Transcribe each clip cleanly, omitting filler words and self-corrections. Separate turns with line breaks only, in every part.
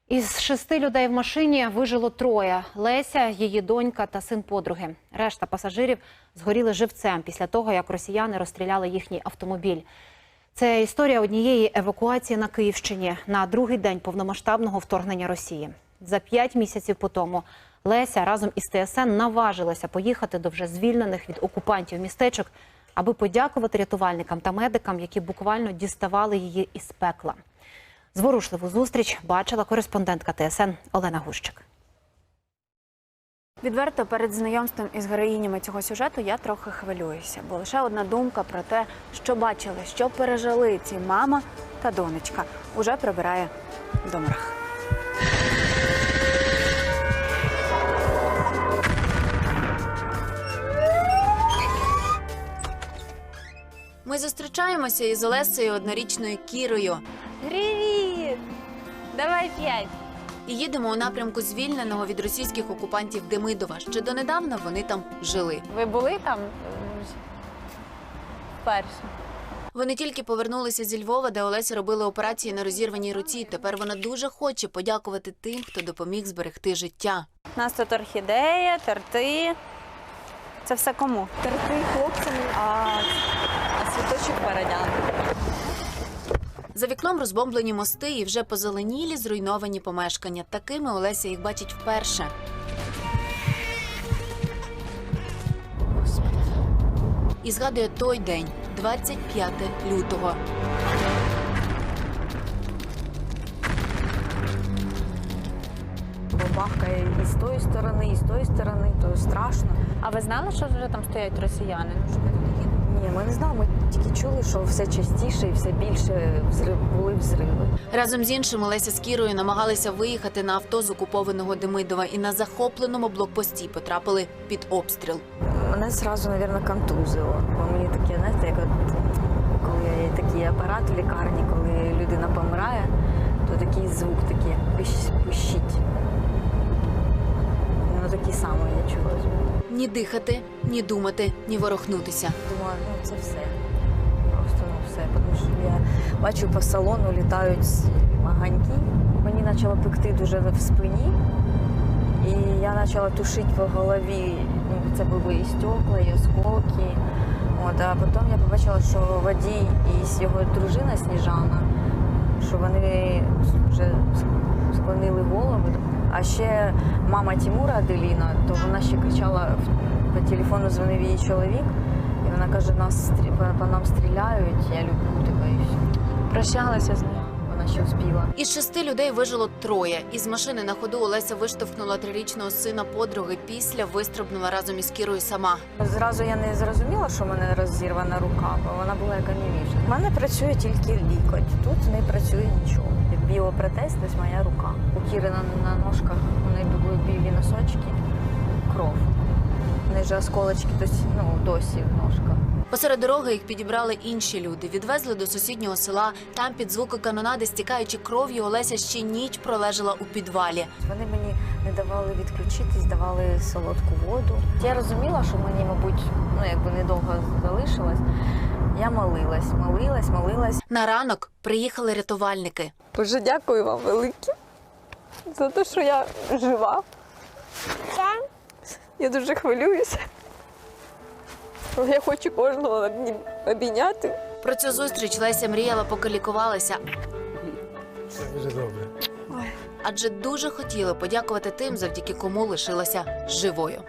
Із 6 людей в машині вижило 3 – Леся, її донька та син подруги. Решта пасажирів згоріли живцем після того, як росіяни розстріляли їхній автомобіль. Це історія однієї евакуації на Київщині на другий день повномасштабного вторгнення Росії. За 5 місяців по тому Леся разом із ТСН наважилася поїхати до вже звільнених від окупантів містечок, аби подякувати рятувальникам та медикам, які буквально діставали її із пекла. Зворушливу зустріч бачила кореспондентка ТСН Олена Гущик.
Відверто, перед знайомством із героїнями цього сюжету я трохи хвилююся, бо лише одна думка про те, що бачили, що пережили ці мама та донечка, уже прибирає до мурах. Ми зустрічаємося із Олесею, однорічною Кірою.
Привіт! Давай 5.
І їдемо у напрямку звільненого від російських окупантів Демидова. Ще донедавна вони там жили.
Ви були там вперше?
Вони тільки повернулися зі Львова, де Олеся робила операції на розірваній руці. Тепер вона дуже хоче подякувати тим, хто допоміг зберегти життя.
У нас тут орхідея, торти. Це все кому?
Торти хлопцям, а світочок парадян.
За вікном розбомблені мости і вже позеленілі зруйновані помешкання. Такими Олеся їх бачить вперше. І згадує той день, 25 лютого.
Бабахкає і з тої сторони, і з тої сторони, то страшно.
А ви знали, що вже там стоять росіяни?
Ні, ми не знали, ми тільки чули, що все частіше і все більше були взриви.
Разом з іншим Олеся з Кірою намагалися виїхати на авто з окупованого Демидова і на захопленому блокпості потрапили під обстріл.
Мене зразу, мабуть, контузило. Бо мені таке, знаєте, як от, коли є такий апарат в лікарні, коли людина помирає, то такий звук такий, пищить. Воно такий самий, я чула.
Ні дихати, ні думати, ні ворухнутися.
Думаю, ну це все. Просто все. Тому що я бачу, по салону літають маганьки. Мені почало пекти дуже в спині. І я почала тушити по голові. Ну, це були і стекла, і осколки. От, а потім я побачила, що водій і його дружина Сніжана, що вони вже склонили голови. А ще мама Тимура Аделіна, то вона ще кричала, по телефону дзвонив її чоловік, і вона каже, по нам стріляють, я люблю тебе і все.
Прощалася з нею.
Вона ще успіла.
Із 6 людей вижило 3. Із машини на ходу Олеся виштовхнула 3-річного сина подруги, після вистрибнула разом із Кірою сама.
Зразу я не зрозуміла, що в мене розірвана рука, бо вона була як анівіша. У мене працює тільки лікоть, тут не працює нічого. Біопротез, ось моя рука. У Кіри на ножках у неї були білі носочки, кров. У неї ж осколочки досі в ножках.
Посеред дороги їх підібрали інші люди. Відвезли до сусіднього села. Там під звуки канонади, стікаючи кров'ю, Олеся ще ніч пролежала у підвалі.
Вони мені не давали відключитись, давали солодку воду. Я розуміла, що мені, мабуть, недовго залишилось. Я молилась.
На ранок приїхали рятувальники.
Дуже дякую вам велике за те, що я жива. Я дуже хвилююся. Я хочу кожного обійняти.
Про цю зустріч Леся мріяла, поки лікувалася.
Все дуже добре.
Адже дуже хотіла подякувати тим, завдяки кому лишилася живою.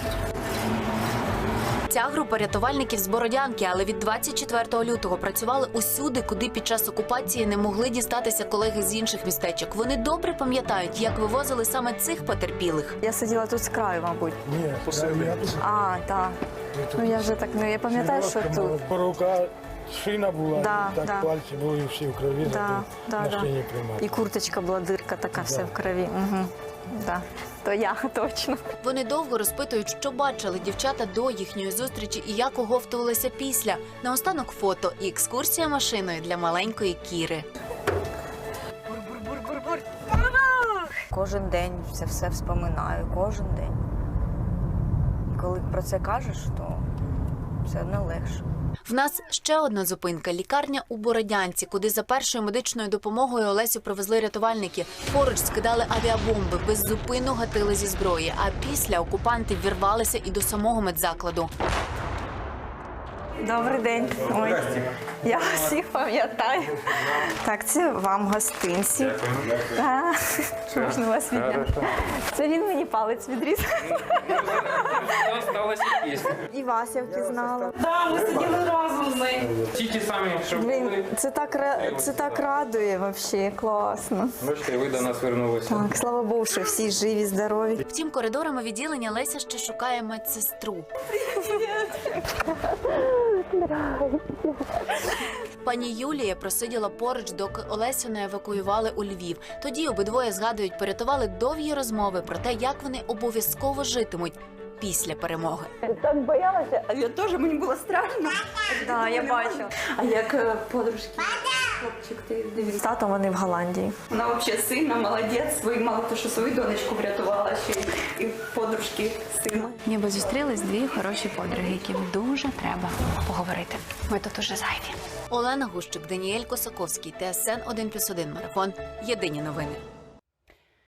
Ця група рятувальників з Бородянки, але від 24 лютого працювали усюди, куди під час окупації не могли дістатися колеги з інших містечок. Вони добре пам'ятають, як вивозили саме цих потерпілих.
Я сиділа тут з краю, мабуть.
Ні, я тут.
А, так. Ну я вже так, я пам'ятаю, що тут.
По рука шина була,
Да,
так
да.
пальці були всі в крові, на шині приймати.
І курточка була, дирка така, все в крові. Угу. Да. То я точно.
Вони довго розпитують, що бачили дівчата до їхньої зустрічі і як оговтувалися після. Наостанок фото і екскурсія машиною для маленької Кіри.
Кожен день це все вспоминаю, кожен день. І коли про це кажеш, то все одно легше.
В нас ще одна зупинка – лікарня у Бородянці, куди за першою медичною допомогою Олесю привезли рятувальники. Поруч скидали авіабомби, беззупинно гатили зі зброї, а після окупанти ввірвалися і до самого медзакладу.
Добрий день. Ой, я всіх пам'ятаю. Так, це вам гостинці. Так, можна вас відняти. Це він мені палець відріз. І вас я впізнала.
Так, ми сиділи разом з нею. Ті самі, що
Блін,
були.
це так радує взагалі, класно.
Бачите, ви до нас вернулися.
Так, слава Богу, що всі живі, здорові.
Втім, коридорами відділення Леся ще шукає медсестру. Пані Юлія просиділа поруч, доки Олесю не евакуювали у Львів. Тоді обидвоє згадують, порятували довгі розмови про те, як вони обов'язково житимуть після перемоги.
Так боялася, а я теж, мені було страшно.
Так, я бачу.
А як подружки? Хлопчик, ти дивись. З татом вони в Голландії.
Вона взагалі сильна, молодець. Мало того, що свою донечку врятувала, ще і подружки сина.
Ніби зустрілись дві хороші подруги, яким дуже треба поговорити. Ми тут уже зайві.
Олена Гущик, Даніель Косаковський, ТСН 1+1 Марафон. Єдині новини.